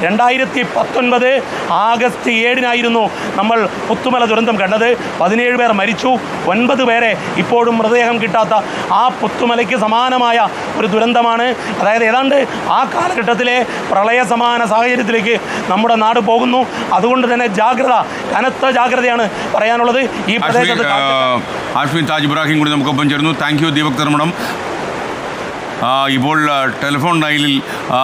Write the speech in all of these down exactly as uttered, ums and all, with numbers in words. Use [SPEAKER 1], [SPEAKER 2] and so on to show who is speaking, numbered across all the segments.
[SPEAKER 1] രണ്ടായിരത്തി പത്തൊൻപത് ആഗസ്റ്റ് ഏഴിനായിരുന്നു നമ്മൾ പുത്തുമല ദുരന്തം കണ്ടത്. പതിനേഴ് പേർ മരിച്ചു, ഒൻപത് പേരെ ഇപ്പോഴും മൃതദേഹം കിട്ടാത്ത ആ പുത്തുമലയ്ക്ക് സമാനമായ ഒരു ദുരന്തമാണ്. അതായത് ഏതാണ്ട് ആ കാലഘട്ടത്തിലെ പ്രളയ സമാന സാഹചര്യത്തിലേക്ക് നമ്മുടെ നാട് പോകുന്നു. അതുകൊണ്ട് തന്നെ ജാഗ്രത, കനത്ത ജാഗ്രതയാണ് പറയാനുള്ളത് ഈ പ്രദേശത്ത്.
[SPEAKER 2] ആഷ്മി താജ് ഇബ്രാഹിം കൂടി നമുക്കൊപ്പം ചേർന്നു. Thank you Deepak Dharmadam. ഇപ്പോൾ ടെലിഫോൺ ലൈനിൽ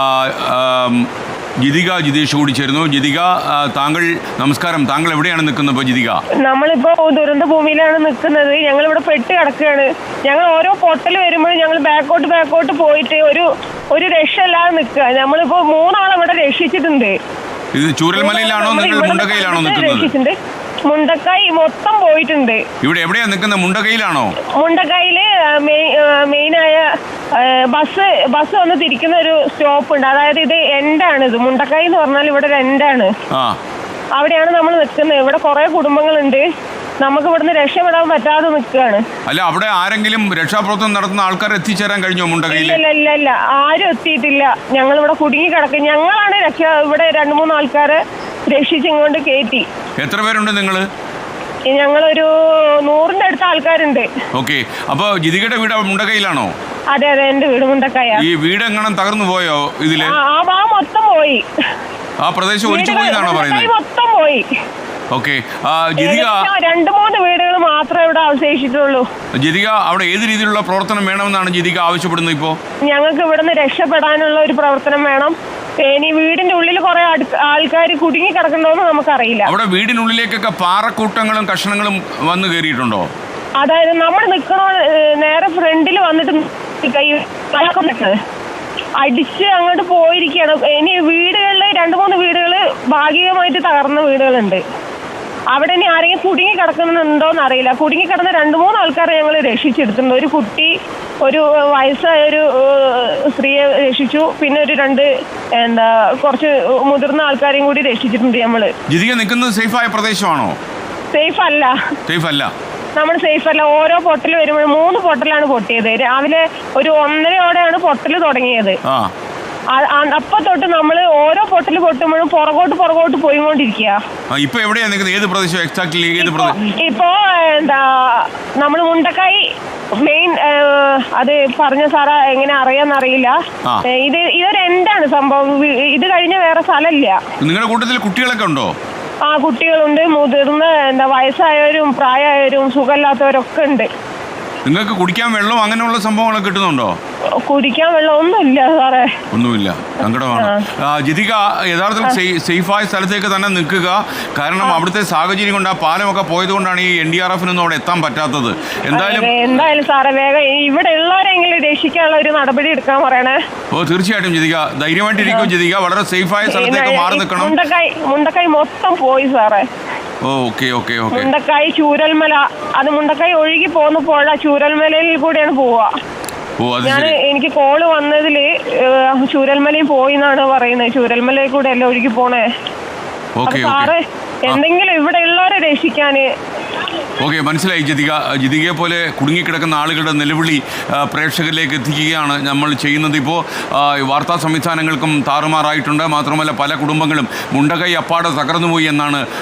[SPEAKER 2] ജിതിക ജിതേഷ് കൂടി ചേരുന്നു. ജിതിക, താങ്കൾ നമസ്കാരം. താങ്കൾ എവിടെയാണ് നിൽക്കുന്നത് ഇപ്പോൾ ജിതിക?
[SPEAKER 3] നമ്മളിപ്പോ ദുരന്ത ഭൂമിയിലാണ് നിൽക്കുന്നത്. ഞങ്ങൾ ഇവിടെ പെട്ട് കിടക്കുകയാണ്. ഞങ്ങൾ ഓരോ പൊട്ടൽ വരുമ്പോഴും ഞങ്ങൾ ബാക്കോട്ട് ബാക്കോട്ട് പോയിട്ട് ഒരു ഒരു രക്ഷയില്ലാതെ നിൽക്കുക. നമ്മളിപ്പോ മൂന്നാളെ ഇവിടെ രക്ഷിച്ചിട്ടുണ്ട്.
[SPEAKER 2] ഇത് ചൂരൽമലയിലാണോ നിങ്ങൾ മുണ്ടകയിലാണോ നിൽക്കുന്നത്?
[SPEAKER 3] മുണ്ടക്കായി മൊത്തം പോയിട്ടുണ്ട്.
[SPEAKER 2] ഇവിടെ എവിടെയാ നിൽക്കുന്നത്? മുണ്ടകയിലാണോ?
[SPEAKER 3] മുണ്ടക്കായില് മെയിനായ ബസ് ബസ് വന്ന് തിരിക്കുന്ന ഒരു സ്റ്റോപ്പ് ഉണ്ട്. അതായത് ഇത് എൻഡാണ്. ഇത് മുണ്ടക്കായി എന്ന് പറഞ്ഞാൽ ഇവിടെ ഒരു എൻഡാണ്. അവിടെയാണ് നമ്മൾ നിൽക്കുന്നത്. ഇവിടെ കുറെ കുടുംബങ്ങളുണ്ട്. നമുക്ക് ഇവിടുന്ന് രക്ഷപ്പെടാൻ പറ്റാതെ നിൽക്കുകയാണ്.
[SPEAKER 2] അല്ല, അവിടെ ആരെങ്കിലും രക്ഷാപ്രവർത്തനം നടത്തുന്ന ആൾക്കാർ എത്തിച്ചേരാൻ കഴിഞ്ഞോ മുണ്ടകയിൽ?
[SPEAKER 3] ഇല്ല ഇല്ല ഇല്ല, ആരും എത്തിയിട്ടില്ല. ഞങ്ങൾ ഇവിടെ കുടുങ്ങി കിടക്കും. ഞങ്ങളാണ് രക്ഷ ഇവിടെ രണ്ടു മൂന്ന് ആൾക്കാരെ രക്ഷിച്ചിങ്ങോണ്ട് കയറ്റി.
[SPEAKER 2] എത്ര പേരുണ്ട് നിങ്ങള്?
[SPEAKER 3] ഞങ്ങളൊരു നൂറിന്റെ അടുത്ത ആൾക്കാരുണ്ട്.
[SPEAKER 2] ഓക്കെ. അപ്പൊ ജിതികയുടെ വീട് മുണ്ടകയിലാണോ?
[SPEAKER 3] അതെ അതെ, എന്റെ വീട് മുണ്ടക്കായ.
[SPEAKER 2] ഈ വീട് എങ്ങനെ തകർന്നു പോയോ ഇതില്?
[SPEAKER 3] ആ ഭാഗം മൊത്തം പോയി.
[SPEAKER 2] ആ പ്രദേശം ഒലിച്ചു പോയി എന്നാണോ പറയുന്നത്?
[SPEAKER 3] മൊത്തം പോയി.
[SPEAKER 2] ഓക്കെ. ജിതിക,
[SPEAKER 3] രണ്ടു മൂന്ന് വീടുകൾ മാത്രമേ ഇവിടെ അവശേഷിച്ചിട്ടുള്ളൂ.
[SPEAKER 2] ജിതിക, അവിടെ ഏത് രീതിയിലുള്ള പ്രവർത്തനം വേണമെന്നാണ് ജിതിക ആവശ്യപ്പെടുന്നത്? ഇപ്പോ
[SPEAKER 3] ഞങ്ങൾക്ക് ഇവിടുന്ന് രക്ഷപ്പെടാനുള്ള ഒരു പ്രവർത്തനം വേണം. ഇനി വീടിന്റെ ഉള്ളിൽ കുറെ ആൾക്കാർ കുടുങ്ങി കിടക്കണ്ടോന്ന് നമുക്കറിയില്ല.
[SPEAKER 2] അവിടെ വീടിനുള്ളിലേക്കൊക്കെ പാറക്കൂട്ടങ്ങളും കഷ്ണങ്ങളും വന്നു കയറിയിട്ടുണ്ടോ?
[SPEAKER 3] അതായത് നമ്മൾ നിൽക്കണോ നേരെ ഫ്രണ്ടിൽ വന്നിട്ട് അടിച്ച് അങ്ങോട്ട് പോയിരിക്കുകയാണ്. ഇനി വീടുകളിൽ രണ്ട് മൂന്ന് വീടുകൾ ഭാഗികമായിട്ട് തകർന്ന വീടുകളുണ്ട്. അവിടെ ഇനി ആരെങ്കിലും കുടുങ്ങി കിടക്കുന്നുണ്ടോന്ന് അറിയില്ല. കുടുങ്ങി കിടന്ന രണ്ട് മൂന്ന് ആൾക്കാരെ ഞങ്ങൾ രക്ഷിച്ചെടുത്തിട്ടുണ്ട്. ഒരു കുട്ടി, ഒരു വയസ്സായ ഒരു സ്ത്രീയെ രക്ഷിച്ചു. പിന്നെ ഒരു രണ്ട് എന്താ കുറച്ച് മുതിർന്ന ആൾക്കാരെയും കൂടി രക്ഷിച്ചിട്ടുണ്ട് നമ്മള്.
[SPEAKER 2] ജിതിക നിൽക്കുന്നത് സേഫായ പ്രദേശമാണോ?
[SPEAKER 3] സേഫ് അല്ല. സേഫ് അല്ല നമ്മൾ സേഫ് അല്ല. ഓരോ പൊട്ടൽ വരുമ്പോഴും മൂന്ന് പൊട്ടലാണ് പൊട്ടിയത്. രാവിലെ ഒരു ഒന്നരയോടെയാണ് പൊട്ടൽ തുടങ്ങിയത്. അപ്പൊ തൊട്ട് നമ്മള് ഓരോ പൊട്ടൽ പൊട്ടുമ്പോഴും പുറകോട്ട് പുറകോട്ട് പോയിക്കൊണ്ടിരിക്കുക.
[SPEAKER 2] ഇപ്പൊ എവിടെയാ നിൽക്കുന്നത്? ഏത് പ്രദേശം എക്സാക്ട്ലി? ഏത് പ്രദേശം?
[SPEAKER 3] ഇപ്പോ എന്താ നമ്മൾ മുണ്ടക്കായി മെയിൻ. അത് പറഞ്ഞ സാറാ എങ്ങനെ അറിയാന്നറിയില്ല. ഇത് ഇതൊരു എന്താണ് സംഭവം. ഇത് കഴിഞ്ഞ വേറെ സ്ഥലമില്ല.
[SPEAKER 2] നിങ്ങളുടെ കൂട്ടത്തിൽ കുട്ടികളൊക്കെ ഉണ്ടോ?
[SPEAKER 3] ആ, കുട്ടികളുണ്ട്, മുതിർന്ന എന്താ വയസ്സായവരും പ്രായമായവരും സുഖമില്ലാത്തവരൊക്കെ ഉണ്ട്.
[SPEAKER 2] നിങ്ങൾക്ക് കുടിക്കാൻ വെള്ളം അങ്ങനെയുള്ള സംഭവങ്ങളൊക്കെ കിട്ടുന്നുണ്ടോ?
[SPEAKER 3] കുടിക്കാൻ വെള്ളം ഒന്നുമില്ല സാറേ.
[SPEAKER 2] ഒന്നുമില്ല. സങ്കടമാണ്. ജിതിക, യഥാർത്ഥത്തിൽ സേഫായ സ്ഥലത്തേക്ക് തന്നെ നിൽക്കുക. കാരണം അവിടുത്തെ സാഹചര്യം കൊണ്ട് ആ പാലമൊക്കെ പോയത് കൊണ്ടാണ് ഈ എൻ ഡി ആർ എഫിനൊന്നും അവിടെ എത്താൻ പറ്റാത്തത്. എന്തായാലും
[SPEAKER 3] എന്തായാലും സാറേ വേഗം ഇവിടെ ഉള്ളവരെങ്കിലും രക്ഷിക്കാനുള്ള ഒരു നടപടി എടുക്കാൻ പറയണേ. ഓ,
[SPEAKER 2] തീർച്ചയായിട്ടും ജിതിക, ധൈര്യമായിട്ടിരിക്കും ജിതിക. വളരെ സേഫായ സ്ഥലത്തേക്ക് മാറി നിൽക്കണം.
[SPEAKER 3] മുണ്ടക്കായി മുണ്ടക്കായി മൊത്തം പോയി സാറേ.
[SPEAKER 2] Okay okay okay.
[SPEAKER 3] Mundakkai Chooralmala, അത് മുണ്ടക്കായി ഒഴുകി പോകുന്ന പുഴ ചൂരൽമലയിൽ കൂടെയാണ് പോവുക. ഞാൻ എനിക്ക് കോള് വന്നതില് ചൂരൽമലയിൽ പോയി എന്നാണ് പറയുന്നത്. ചൂരൽമലയിൽ കൂടെ അല്ലേ ഒഴുകി പോണേ. സാറ് എന്തെങ്കിലും ഇവിടെ ഉള്ളവരെ രക്ഷിക്കാന്.
[SPEAKER 2] ഓക്കെ, മനസ്സിലായി ജിതിക. ജിതികയെ പോലെ കുടുങ്ങിക്കിടക്കുന്ന ആളുകളുടെ നിലവിളി പ്രേക്ഷകരിലേക്ക് എത്തിക്കുകയാണ് നമ്മൾ ചെയ്യുന്നത്. ഇപ്പോൾ വാർത്താ സംവിധാനങ്ങൾക്കും താറുമാറായിട്ടുണ്ട്. മാത്രമല്ല പല കുടുംബങ്ങളും മുണ്ടകൈ അപ്പാടെ തകർന്നുപോയി എന്നാണ്